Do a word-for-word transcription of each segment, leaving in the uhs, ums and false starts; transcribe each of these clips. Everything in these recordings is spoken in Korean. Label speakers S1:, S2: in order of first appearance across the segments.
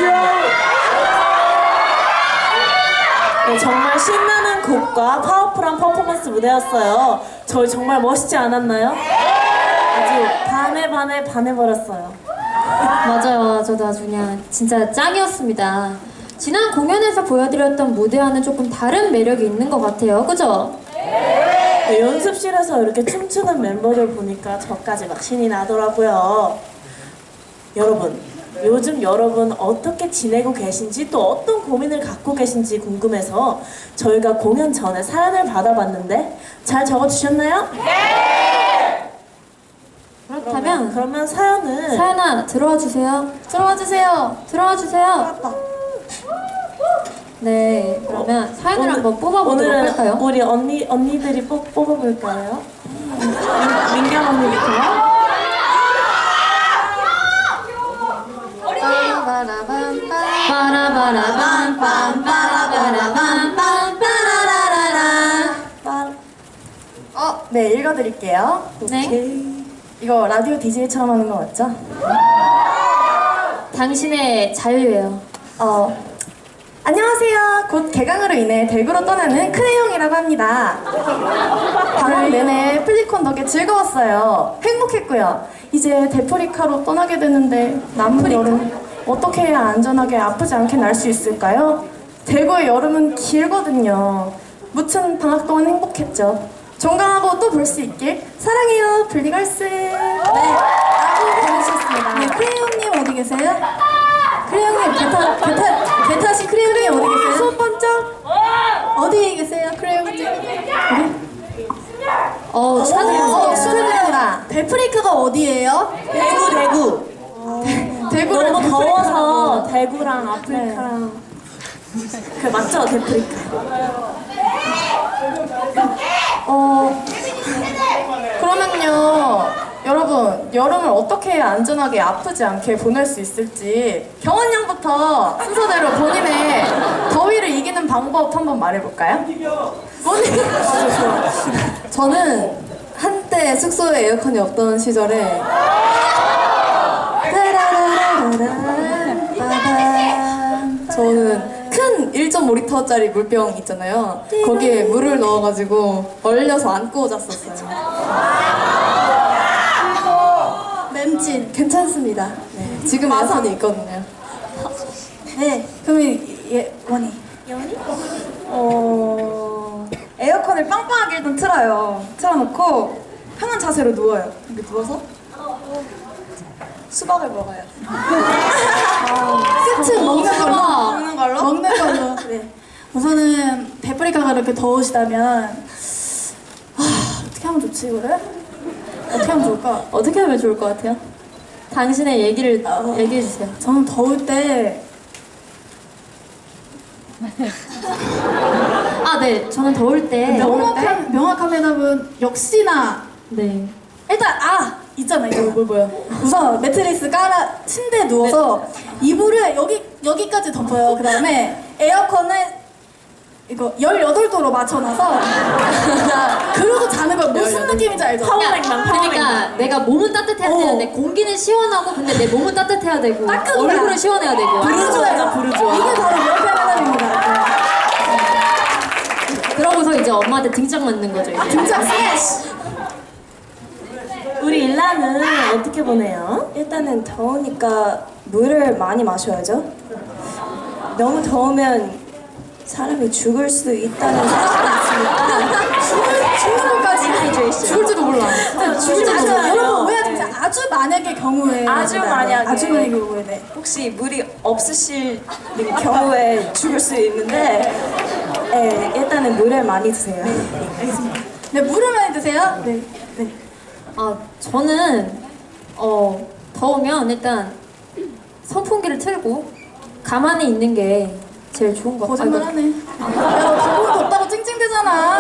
S1: 네, 정말 신나는 곡과 파워풀한 퍼포먼스 무대였어요. 저희 정말 멋있지 않았나요? 아주 반에 반에 반해버렸어요.
S2: 맞아요. 저도 아주 그냥 진짜 짱이었습니다. 지난 공연에서 보여드렸던 무대와는 조금 다른 매력이 있는 것 같아요. 그죠?
S1: 네, 연습실에서 이렇게 춤추는 멤버들 보니까 저까지 막 신이 나더라고요. 여러분, 요즘 여러분 어떻게 지내고 계신지 또 어떤 고민을 갖고 계신지 궁금해서 저희가 공연 전에 사연을 받아봤는데 잘 적어주셨나요? 네!
S2: 그렇다면
S1: 그러면, 그러면 사연을
S2: 사연아 들어와 주세요. 들어와 주세요. 들어와 주세요. 네, 그러면 사연을
S1: 오늘-
S2: 한번 뽑아보도록
S1: 오늘은
S2: 할까요?
S1: 우리 언니, 언니들이 뽑, 뽑아볼까요? 민- 민경 언니부터.
S3: 어, 네, 읽어드릴게요.
S2: 네.
S3: 이거 라디오 디제이처럼 하는 거 맞죠?
S2: 당신의 자유예요.
S3: 어, 안녕하세요. 곧 개강으로 인해 대구로 떠나는 큰혜영이라고 합니다. 방학 내내 플리콘 덕에 즐거웠어요. 행복했고요. 이제 데프리카로 떠나게 되는데 남은 여름 어떻게 해야 안전하게 아프지 않게 날 수 있을까요? 대구의 여름은 길거든요. 무튼 방학 동안 행복했죠. 종강하고 또 볼 수 있길 사랑해요, 블리걸스. 네, 라고 보내주셨습니다.
S4: 네, 크레용님 어디 계세요?
S3: 크레용님, 개타, 개타, 개타시 크레용님 어디 계세요?
S4: 손 번쩍. 어디 계세요, 크레용님?
S2: 어, 축하드립니다.
S3: 어, 축하드립니다.
S4: 데프리카가 어디예요?
S1: 대구, 대구.
S3: 대구를
S1: 너무
S3: 데프리카라고.
S1: 더워서 대구랑 아프리카랑 그 맞죠? 데프리카.
S3: 어, 그러면요, 여러분, 여름을 어떻게 해야 안전하게 아프지 않게 보낼 수 있을지 경원 양부터 순서대로 본인의 더위를 이기는 방법 한번 말해볼까요? 본인.
S4: 저는 한때 숙소에 에어컨이 없던 시절에 따라라라라라라란. 저는 큰 일 점 오 리터짜리 물병 있잖아요. 거기에 물을 넣어가지고 얼려서 안고 잤었어요. 맴진 괜찮습니다. 네, 지금 에어컨이 있거든요.
S5: 네, 그러면 예, 원희.
S1: 연이?
S5: 어, 에어컨을 빵빵하게 일단 틀어요. 틀어놓고 편한 자세로 누워요. 이렇게 누워서 수박을 먹어요.
S4: 끝은 먹는 걸로.
S5: 먹는 걸로?
S4: 먹는 걸로. 네. 우선은 데프리카가 이렇게 더우시다면 아, 어떻게 하면 좋지 이거를? 어떻게 하면 좋을까?
S2: 어떻게 하면 좋을 것 같아요? 당신의 얘기를
S4: 어.
S2: 얘기해 주세요.
S4: 저는 더울 때
S2: 아, 네. 저는 더울 때
S4: 명확한 명확한 대답은 역시나
S2: 네.
S4: 일단 아 있잖아 이거 뭘 뭐야 우선 매트리스 깔아 침대에 누워서 이불을 여기 여기까지 덮어요. 그 다음에 에어컨을 이거 열여덟 도로 맞춰놔서 그러고 자는 거 무슨 느낌인지 알죠?
S1: 파워랭랑,
S2: 그러니까
S1: 파워랭랑.
S2: 내가 몸은 따뜻해야
S4: 어.
S2: 되는데 공기는 시원하고 근데 내 몸은 따뜻해야 되고
S4: 딱 그거야.
S2: 얼굴은 시원해야 되고
S1: 부르주아죠, 부르주아.
S4: 이게 바로 명확한 대답입니다.
S2: 그러고서 이제 엄마한테 등짝 맞는 거죠. 이제.
S4: 등짝 스매시.
S1: 우리 일라는 어떻게 보내요?
S3: 일단은 더우니까 물을 많이 마셔야죠. 너무 더우면 사람이 죽을 수도 있다는 사실이 있으니까
S4: 죽는 것까지 죽을지도 몰라.
S1: 죽을지도
S4: 아주
S1: 몰라요.
S4: 여러분 오해하지 마세요. 아주 만약의 경우에
S3: 아주 만약에.
S4: 아주 만약의 경우에 네.
S3: 혹시 물이 없으실 경우에 죽을 수 있는데 네, 일단은 물을 많이 드세요.
S4: 네 물을 많이 드세요. 네. 네.
S2: 아 저는 어 더우면 일단 선풍기를 틀고 가만히 있는 게 제일 좋은 것 같아요.
S4: 거짓말하네. 야너 더워 덥다고 찡찡대잖아.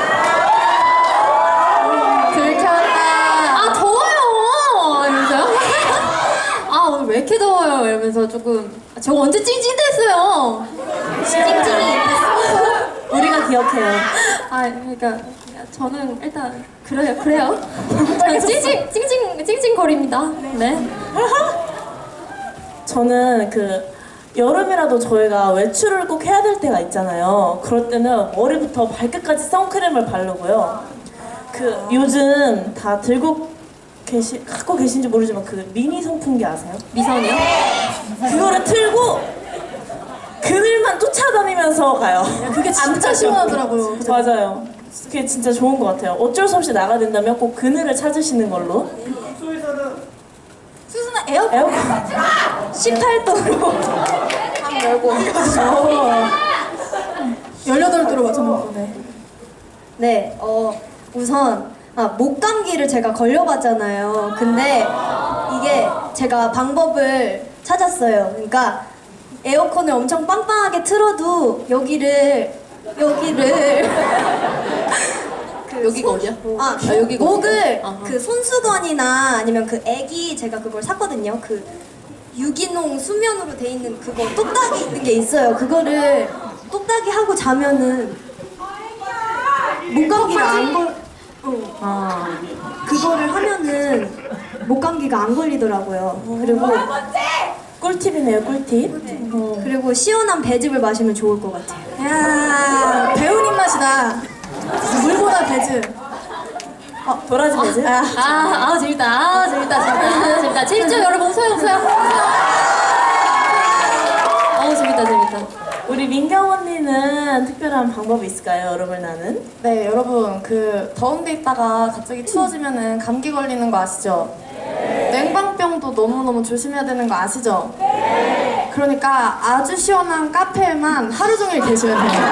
S4: 들켰다.
S2: 아 더워요 이러면서요? 아 오늘 왜 이렇게 더워요 이러면서 조금 아, 저 언제 찡찡댔어요? 찡찡이
S1: 우리가 기억해요.
S2: 아 그러니까 저는 일단 그래요 그래요 저는 찡찡 찡찡 찡찡거립니다. 네.
S1: 저는 그 여름이라도 저희가 외출을 꼭 해야 될 때가 있잖아요. 그럴 때는 머리부터 발끝까지 선크림을 바르고요. 그 요즘 다 들고 계시 갖고 계신지 모르지만 그 미니 선풍기 아세요?
S2: 미선이요?
S1: 그거를 틀고 그늘만 쫓아다니면서 가요.
S4: 그게 진짜 시원하더라고요. 그죠?
S1: 맞아요. 그게 진짜 좋은 것 같아요. 어쩔 수 없이 나가야 된다면 꼭 그늘을 찾으시는 걸로.
S4: 수수는 에어컨
S1: 에어컨
S4: 십팔 도로
S2: 방 열고.
S4: 열여덟 도로 맞춰놓고 네.
S6: 네, 어, 우선 아, 목감기를 제가 걸려봤잖아요. 근데 이게 제가 방법을 찾았어요. 그러니까 에어컨을 엄청 빵빵하게 틀어도 여기를 여기를 그
S2: 여기가 어디야?
S6: 아,
S2: 아, 여기가
S6: 목을
S2: 어디야? 아하.
S6: 그 손수건이나 아니면 그 애기 제가 그걸 샀거든요. 그 유기농 수면으로 돼 있는 그거 똑딱이 있는 게 있어요. 그거를 똑딱이 하고 자면은 목감기가 안 걸. 어.
S2: 아.
S6: 그거를 하면은 목감기가 안 걸리더라고요. 그리고
S1: 꿀팁이네요, 꿀팁.
S6: 그리고 시원한 배즙을 마시면 좋을 것 같아요.
S4: 야 배운 입맛이다. 물보다 배즈.
S1: 도라지 배즙.
S2: 아, 아 재밌다. 아 재밌다. 재밌다. 재밌다. 재밌죠 여러분? 소영 소영. 어 재밌다 재밌다.
S1: 우리 민경 언니는 특별한 방법이 있을까요? 여름을 나는?
S3: 네, 여러분 그 더운 데 있다가 갑자기 추워지면은 감기 걸리는 거 아시죠? 냉방병도 너무너무 조심해야 되는 거 아시죠? 그러니까 아주 시원한 카페에만 하루 종일 계시면 돼요.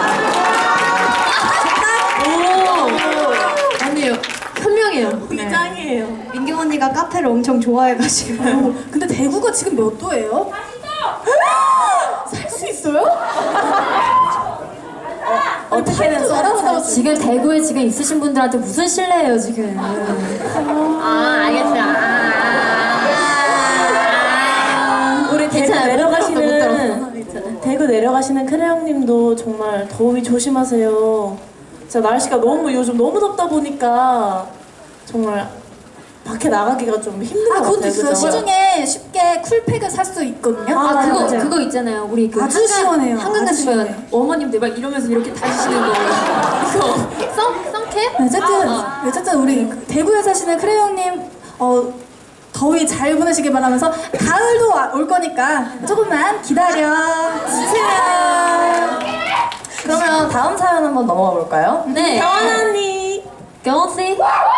S2: 오. 언니 현명해요.
S1: 언니 짱이에요.
S6: 민경 언니가 카페를 엄청 좋아해가지고.
S4: 근데 대구가 지금 몇 도예요? 살 수 있어요?
S1: 어떻게든
S4: 알아보다가
S2: 지금 대구에 지금 있으신 분들한테 무슨 신뢰예요 지금? 아 알겠다. 아,
S1: 우리 대구
S2: 괜찮아요.
S1: 내려가시는 대구 내려가시는 크레 형님도 정말 더위 조심하세요. 진짜 날씨가 너무 요즘 너무 덥다 보니까 정말 밖에 나가기가 좀 힘든
S4: 아
S1: 것
S4: 그것도
S1: 같아요.
S4: 있어요.
S1: 그죠?
S4: 시중에 쉽게 쿨팩을 살 수 있거든요.
S2: 아,
S1: 아,
S2: 그거
S1: 맞아요.
S2: 그거 있잖아요. 우리 그
S4: 아주
S2: 한강,
S4: 시원해요.
S2: 한강
S4: 아주
S2: 가시면
S4: 시원해.
S2: 어머님들 막 이러면서 이렇게 다니시는 거. 그거 썬 썬캡?
S4: 어쨌든
S2: 아,
S4: 어쨌든 우리 그 대구에 사시는 크레용님 어 더위 잘 보내시길 바라면서 가을도 와- 올 거니까 조금만 기다려 주세요.
S3: 그러면 다음 사연 한번 넘어가 볼까요?
S2: 네.
S1: 경원 언니.
S2: 경원 씨.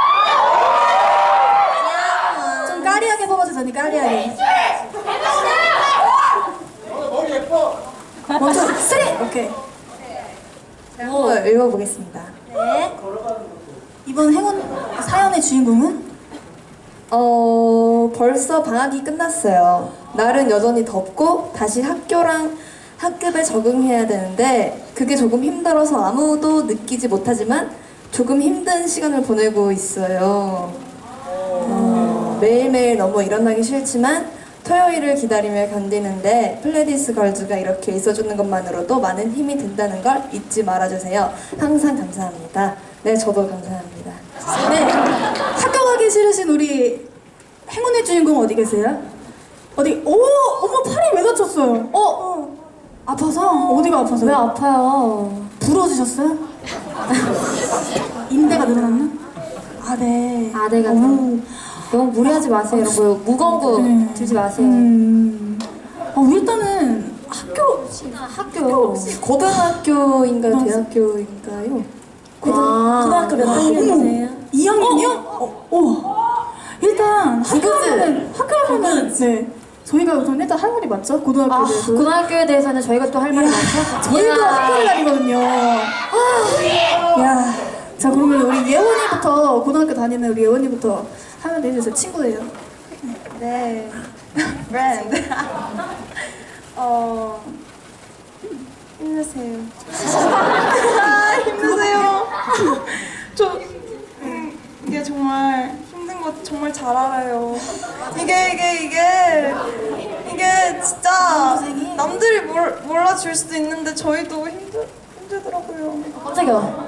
S4: 좀 까리하게 뽑아주세요. 언니 까리하게. 먼저 쓰리. 오케이.
S3: 한번 읽어보겠습니다.
S6: 네.
S4: 이번 행운 사연의 주인공은
S3: 어, 벌써 방학이 끝났어요. 날은 여전히 덥고 다시 학교랑 학급에 적응해야 되는데 그게 조금 힘들어서 아무도 느끼지 못하지만 조금 힘든 시간을 보내고 있어요. 어, 매일매일 너무 일어나기 싫지만 토요일을 기다리며 견디는데 플레디스 걸즈가 이렇게 있어주는 것만으로도 많은 힘이 된다는 걸 잊지 말아주세요. 항상 감사합니다. 네, 저도 감사합니다.
S4: 네. 학교 가기 싫으신 우리 행운의 주인공 어디 계세요? 어디? 오, 어머 팔이 왜 다쳤어요? 어, 어. 아파서? 어디가 아파서?
S2: 왜 아파요?
S4: 부러지셨어요? 인대가 늘어났나? 아, 네.
S2: 아대가
S4: 어머.
S2: 너무 무리하지 마세요. 이런 거 무거운 거
S4: 네.
S2: 들지 마세요.
S4: 음. 어, 일단은 학교
S2: 학교.
S3: 고등학교인가요?
S4: 어.
S3: 대학교인가요?
S2: 아,
S1: 고등학교 몇 학년이세요?
S4: 이 학년이요? 어, 오. 일단 학교는 학교는 네. 저희가 우선 일단 할 말이 맞죠? 고등학교에
S2: 아,
S4: 대해서.
S2: 고등학교에 대해서는 저희가 또 할 말이 많죠?
S4: 저희도
S2: 이야.
S4: 학교를 다니거든요. 아, 야. 자, 그러면 우리 예원이부터 고등학교 다니는 우리 예원이부터 하면 되죠. 제 친구예요.
S6: 네. 브랜드. 어. 힘내세요.
S5: 아, 힘드세요. 저 음, 이게 정말 힘든 거 정말 잘 알아요. 이게 이게 이게 이게 진짜 남들이 몰, 몰라줄 수도 있는데 저희도 힘들 힘들더라고요.
S2: 깜짝이야.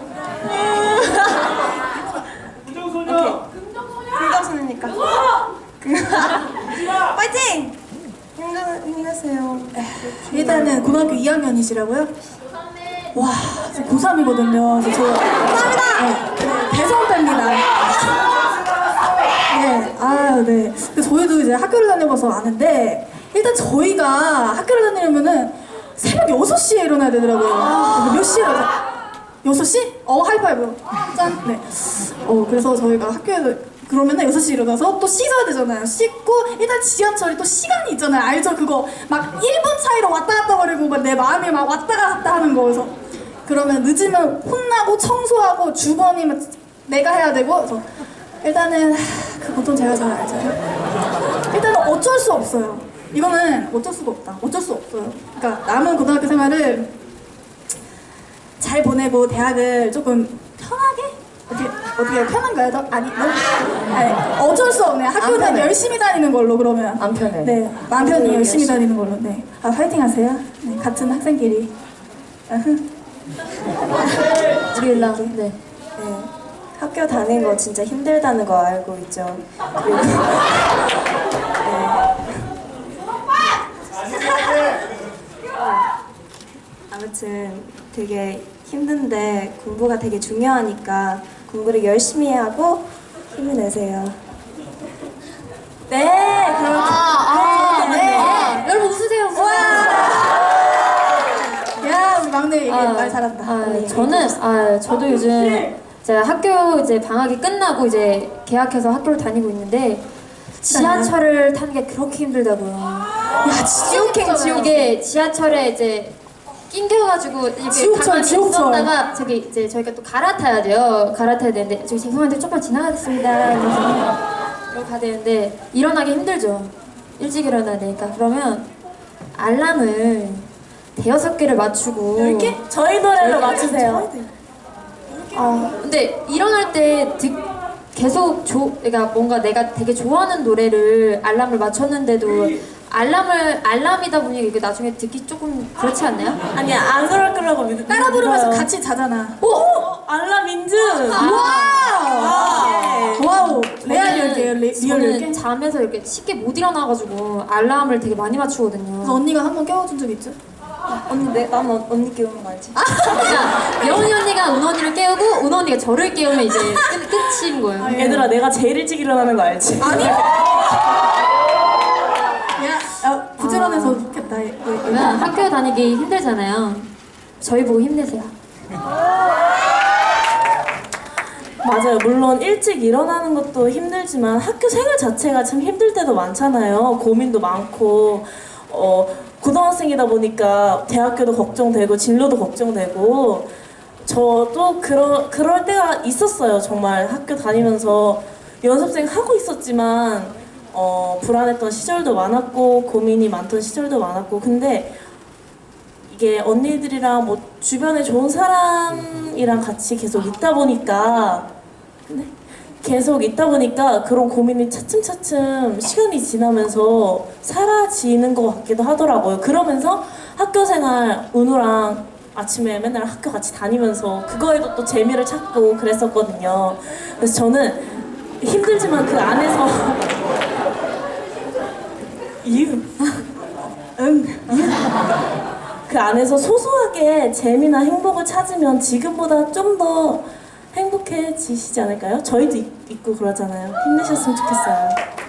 S5: 금정손이니까. 파이팅! 힘드세요.
S6: 힘내세요.
S4: 일단은 고등학교 이 학년이시라고요? 와, 고삼이거든요. 저 감사합니다. 네, 대선배입니다. 네, 아, 네. 근데 저희도 이제 학교를 다녀봐서 아는데 일단 저희가 학교를 다니려면은 새벽 여섯 시에 일어나야 되더라고요. 몇 시에 일어나? 여섯 시? 어, 하이파이브. 짠. 네. 어, 그래서 저희가 학교에 그러면은 여섯 시에 일어나서 또 씻어야 되잖아요. 씻고 일단 지하철이 또 시간이 있잖아요. 알죠? 그거 막 일 분 차이로 왔다 갔다 거리고 막 내 마음이 막 왔다 갔다 하는 거. 그래서 그러면 늦으면 혼나고 청소하고 주번이 막 내가 해야 되고 그래서 일단은 하, 그것도 제가 잘 알죠. 일단은 어쩔 수 없어요. 이거는 어쩔 수가 없다. 어쩔 수 없어요. 그러니까 남은 고등학교 생활을 잘 보내고 대학을 조금 편하게 어떻게 어떻게 편한가요? 더? 아니 너무 아니, 어쩔 수 없네. 학교는
S3: 편해.
S4: 열심히 다니는 걸로 그러면
S3: 안 편해.
S4: 네, 마음 편히 열심히 다니는 걸로. 네, 아 화이팅 하세요. 네, 같은 학생끼리. 아흐.
S2: 우리 일랑 네.
S6: 네. 학교 다니는 거 진짜 힘들다는 거 알고 있죠. 그리고 아무튼 되게 힘든데 공부가 되게 중요하니까 공부를 열심히 하고 힘을 내세요. 네, 그럼
S2: 아,
S6: 네.
S2: 아, 여러분 웃으세요. 웃으세요.
S4: 야 우리 막내 얘기
S2: 아,
S4: 말 잘한다.
S2: 아, 저는 아 저도 요즘 제가 학교 이제 방학이 끝나고 이제 개학해서 학교를 다니고 있는데 지하철을 타는 게 그렇게 힘들다고요. 야, 지옥행 지옥에 지하철에 이제 낑겨가지고 이렇게
S4: 지옥철,
S2: 가만히
S4: 지옥철.
S2: 있었다가 저기 이제 저희가 또 갈아타야 돼요. 갈아타야 되는데 저기 죄송한데 조금만 지나가겠습니다. 이러면서 이러고 가야 되는데 일어나기 힘들죠. 일찍 일어나야 되니까. 그러면 알람을 대여섯 개를 맞추고
S1: 열 개? 저희 노래로 맞추세요.
S2: 아 근데 일어날 때 듣, 계속 조, 그러니까 뭔가 내가 되게 좋아하는 노래를 알람을 맞췄는데도 알람을 알람이다 보니 이게 나중에 듣기 조금 그렇지 않나요?
S1: 아니야, 안 그럴 거라고 믿
S4: 따라 부르면서
S1: 믿어요.
S4: 같이 자잖아.
S1: 오! 알람 인증!
S4: 와우! 와우! 레알 열 개요. 레- 리얼 열 개?
S2: 저는 잠에서 이렇게 쉽게 못 일어나가지고 알람을 되게 많이 맞추거든요.
S4: 그래서 언니가 한 번 깨워준 적 있죠?
S6: 언니 내 나는 언니 깨우는 거 알지?
S2: 그러니까 예원이 언니가 은 언니를 깨우고 은 언니가 저를 깨우면 이제 끝, 끝인 거예요.
S1: 얘들아, 내가 제일 일찍 일어나는 거 알지?
S4: 아니? 야, 야 부지런해서 좋겠다. 얘- 얘-
S2: 그러면 학교 다니기 힘들잖아요. 저희 보고 힘내세요.
S1: 맞아요. 물론 일찍 일어나는 것도 힘들지만 학교 생활 자체가 참 힘들 때도 많잖아요. 고민도 많고, 어, 고등학생이다 보니까 대학교도 걱정되고 진로도 걱정되고, 저도 그러, 그럴 때가 있었어요. 정말 학교 다니면서 연습생 하고 있었지만 어, 불안했던 시절도 많았고 고민이 많던 시절도 많았고, 근데 이게 언니들이랑 뭐 주변에 좋은 사람이랑 같이 계속 있다 보니까 근데 계속 있다 보니까 그런 고민이 차츰차츰 시간이 지나면서 사라지는 것 같기도 하더라고요. 그러면서 학교 생활 은우랑 아침에 맨날 학교 같이 다니면서 그거에도 또 재미를 찾고 그랬었거든요. 그래서 저는 힘들지만 그 안에서 이응 응 그 안에서 소소하게 재미나 행복을 찾으면 지금보다 좀 더 행복해지시지 않을까요? 저희도 있, 있고 그러잖아요. 힘내셨으면 좋겠어요.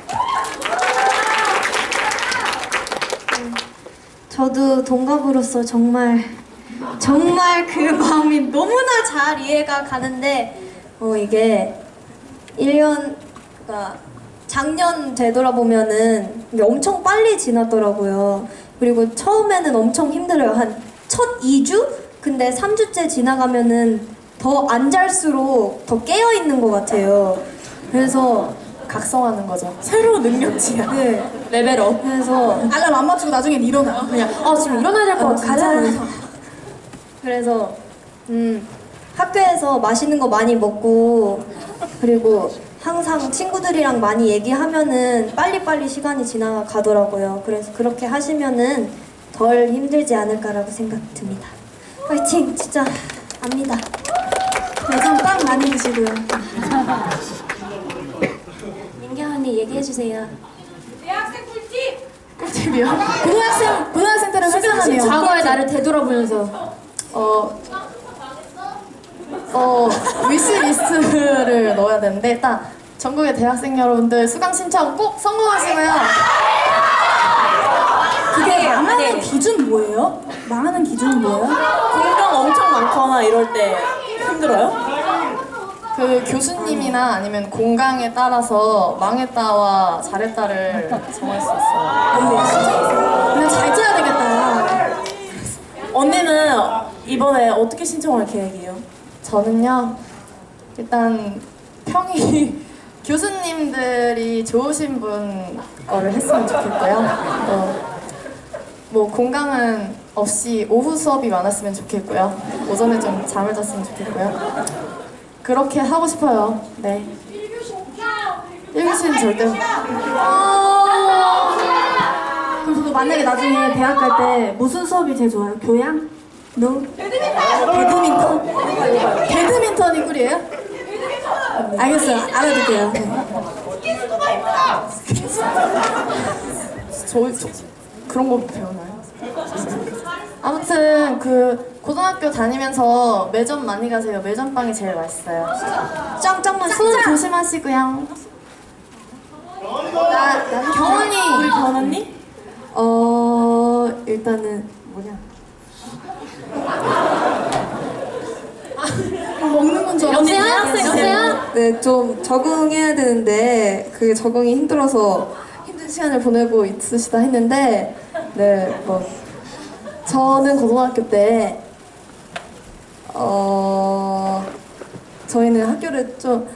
S6: 저도 동갑으로서 정말 정말 그 마음이 너무나 잘 이해가 가는데 어 이게 일 년 그러니까 작년 되돌아보면은 이게 엄청 빨리 지났더라고요. 그리고 처음에는 엄청 힘들어요. 한 첫 이 주? 근데 삼 주째 지나가면은 더 안 잘수록 더 깨어 있는 것 같아요. 그래서
S3: 각성하는 거죠.
S1: 새로운 능력치야.
S6: 네.
S2: 레벨업.
S6: 그래서
S4: 알람 안 맞추고 나중엔 일어나.
S2: 그냥 아 지금 일어나야 될 것
S6: 어,
S2: 같은데.
S6: 가자. 그래서 음 학교에서 맛있는 거 많이 먹고 그리고 항상 친구들이랑 많이 얘기하면은 빨리빨리 시간이 지나가더라고요. 그래서 그렇게 하시면은 덜 힘들지 않을까라고 생각 듭니다. 파이팅! 진짜 압니다.
S4: 요즘 빵 많이 드시고요.
S6: 민경 언니 얘기해 주세요.
S1: 꿀팁!
S4: 컨셉이요? 고등학생 고등학생들은 회사하네요.
S2: 과거의 나를 되돌아보면서
S3: 어, 어, 위시리스트를 넣어야 되는데 일단 전국의 대학생 여러분들 수강 신청 꼭 성공하시고요.
S4: 그게 망하는
S2: 네.
S4: 기준 뭐예요? 망하는 기준은 뭐예요?
S1: 공강 엄청 많거나 이럴 때 힘들어요?
S3: 그 교수님이나 아니면 공강에 따라서 망했다와 잘했다를 정할 수 있어요.
S4: 그냥 잘 짜야 되겠다.
S1: 언니는 이번에 어떻게 신청할 계획이에요?
S3: 저는요, 일단 평이 교수님들이 좋으신 분 거를 했으면 좋겠고요. 어, 뭐 공강은 없이 오후 수업이 많았으면 좋겠고요. 오전에 좀 잠을 잤으면 좋겠고요. 그렇게 하고 싶어요. 네. 일 교시는 절대.
S4: 그럼 저도 만약에 나중에 대학 갈 때 무슨 수업이 제일 좋아요? 교양? 노? 배드민턴? 배드민턴이 꿀이에요? 알겠어요. 알아둘게요.
S3: 저, 저 그런 거 배우나요? 아무튼 그 고등학교 다니면서 매점 많이 가세요. 매점빵이 제일 맛있어요. 짱짱만 손 조심하시고요. 나, 나 경원이
S1: 우리 변 언니?
S3: 어 일단은 뭐냐?
S4: 먹는 건 줄
S1: 언니
S4: 알았어요.
S1: 대학생
S2: 여보세요?
S3: 네, 좀 적응해야 되는데 그게 적응이 힘들어서 힘든 시간을 보내고 있으시다 했는데 네, 뭐 저는 고등학교 때 어, 저희는 학교를 좀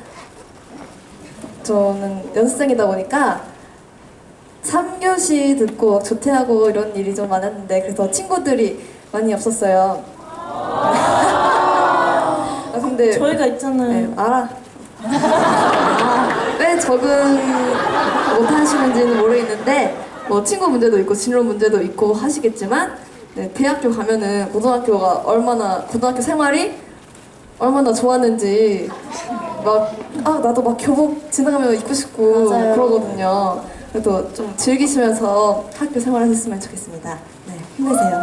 S3: 저는 연습생이다 보니까 삼 교시 듣고 조퇴하고 이런 일이 좀 많았는데 그래서 친구들이 많이 없었어요. 아 근데
S1: 저희가 있잖아요.
S3: 네, 알아. 아, 왜 적응 못하시는지는 모르겠는데 뭐 친구 문제도 있고 진로 문제도 있고 하시겠지만 네, 대학교 가면은 고등학교가 얼마나 고등학교 생활이 얼마나 좋았는지 막 아 나도 막 교복 지나가면 입고 싶고
S1: 맞아요.
S3: 그러거든요. 그래도 좀 즐기시면서 학교 생활하셨으면 좋겠습니다. 네, 힘내세요.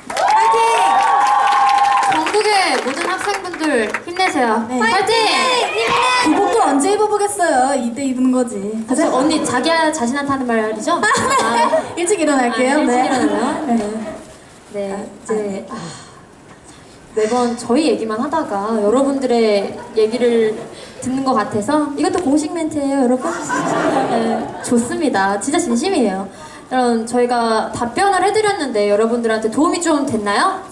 S2: 전국의 모든 학생분들 힘내세요.
S4: 네.
S2: 파이팅!
S4: 교복도 언제 입어보겠어요? 이때 입는 거지.
S2: 그래서 언니 자기 자신한테 하는 말이죠? 아,
S4: 일찍 일어날게요.
S2: 아, 일찍
S4: 네.
S2: 일어나요? 네. 네, 이제 아, 매번 저희 얘기만 하다가 여러분들의 얘기를 듣는 것 같아서 이것도 공식 멘트예요, 여러분. 네, 좋습니다. 진짜 진심이에요. 여러분, 저희가 답변을 해드렸는데 여러분들한테 도움이 좀 됐나요?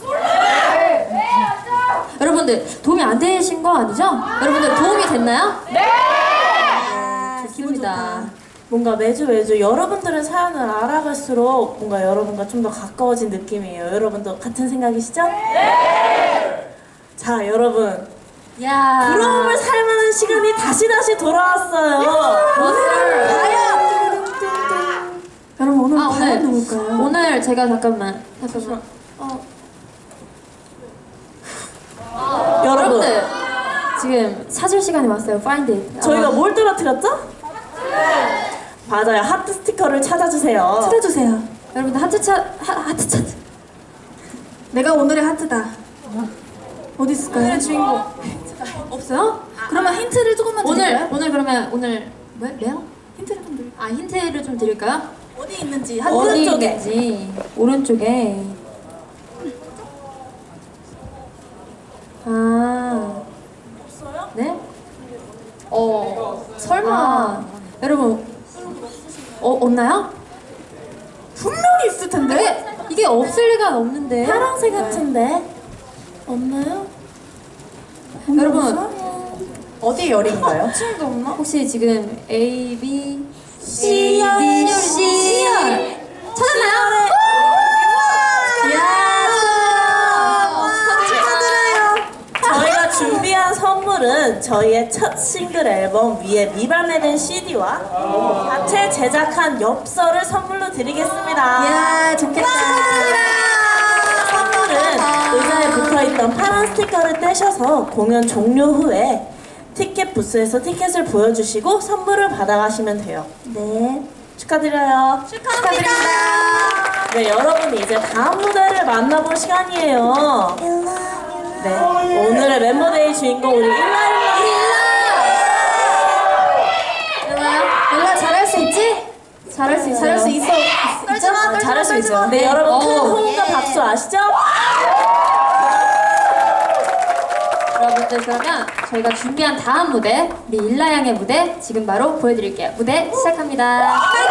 S2: 여러분들 도움이 안 되신 거 아니죠? 여러분들 도움이 됐나요? 네! 좋습니다.
S1: 뭔가 매주 매주 여러분들의 사연을 알아갈수록 뭔가 여러분과 좀 더 가까워진 느낌이에요. 여러분도 같은 생각이시죠? 네! 자, 여러분.
S2: 야,
S1: 부러움을 살만한 시간이 다시 다시 돌아왔어요.
S4: 여러분 오늘
S2: 아,
S4: 과연
S2: 오늘
S4: 누굴까요?
S2: 오늘 제가 잠깐만 잠깐만
S1: 여러분,
S2: 여러분들 지금 사줄 시간이 왔어요. 파인데이.
S1: 저희가 뭘 떨어뜨렸죠? 맞아요. 하트 스티커를 찾아주세요.
S4: 찾아주세요.
S2: 여러분들 하트 차 하, 하트 차.
S4: 내가 오늘의 하트다. 어디 있을까요?
S2: 오늘의 주인공 없어요?
S4: 그러면 힌트를 조금만
S2: 오늘
S4: 드릴까요?
S2: 오늘 그러면 오늘 왜 왜요?
S4: 힌트를 좀 드릴까요?
S2: 아 힌트를 좀 드릴까요?
S4: 어디 있는지
S1: 한-
S2: 어디
S1: 오른쪽에.
S2: 있는지 오른쪽에. 아
S1: 없어요?
S2: 네?
S3: 어 설마
S2: 아, 여러분 어 없나요?
S4: 분명히 있을 텐데.
S2: 이게 이게 없을 리가 없는데.
S1: 파랑색 같은데 없나요?
S2: 여러분
S3: 어디 열인가요?
S2: 친구도 없나? 혹시 지금 A, B,
S1: C,
S2: A, B,
S1: C,
S2: C 찾았나요?
S1: 저희가 준비한 선물은 저희의 첫 싱글 앨범 위에 미발매된 씨디와 자체 제작한 엽서를 선물로 드리겠습니다.
S4: 야 좋겠다.
S1: 선물은 의자에 붙어있던 파란 스티커를 떼셔서 공연 종료 후에 티켓 부스에서 티켓을 보여주시고 선물을 받아가시면 돼요.
S4: 네.
S1: 축하드려요.
S4: 축하드립니다.
S1: 네, 여러분 이제 다음 무대를 만나볼 시간이에요. 네, 오늘의 멤버데이 주인공 우리 일라일라.
S2: 일라 잘할 수 있지? 잘할 수 있어요.
S3: 잘할 수 있어. 떨지 마, 떨지
S1: 잘할
S3: 마,
S1: 수
S3: 떨지
S1: 있어요.
S3: 마.
S1: 네, 여러분 큰
S2: 어.
S1: 호응과 박수 아시죠?
S2: 여러분들 그러면 저희가 준비한 다음 무대 우리 일라 양의 무대 지금 바로 보여드릴게요. 무대 시작합니다.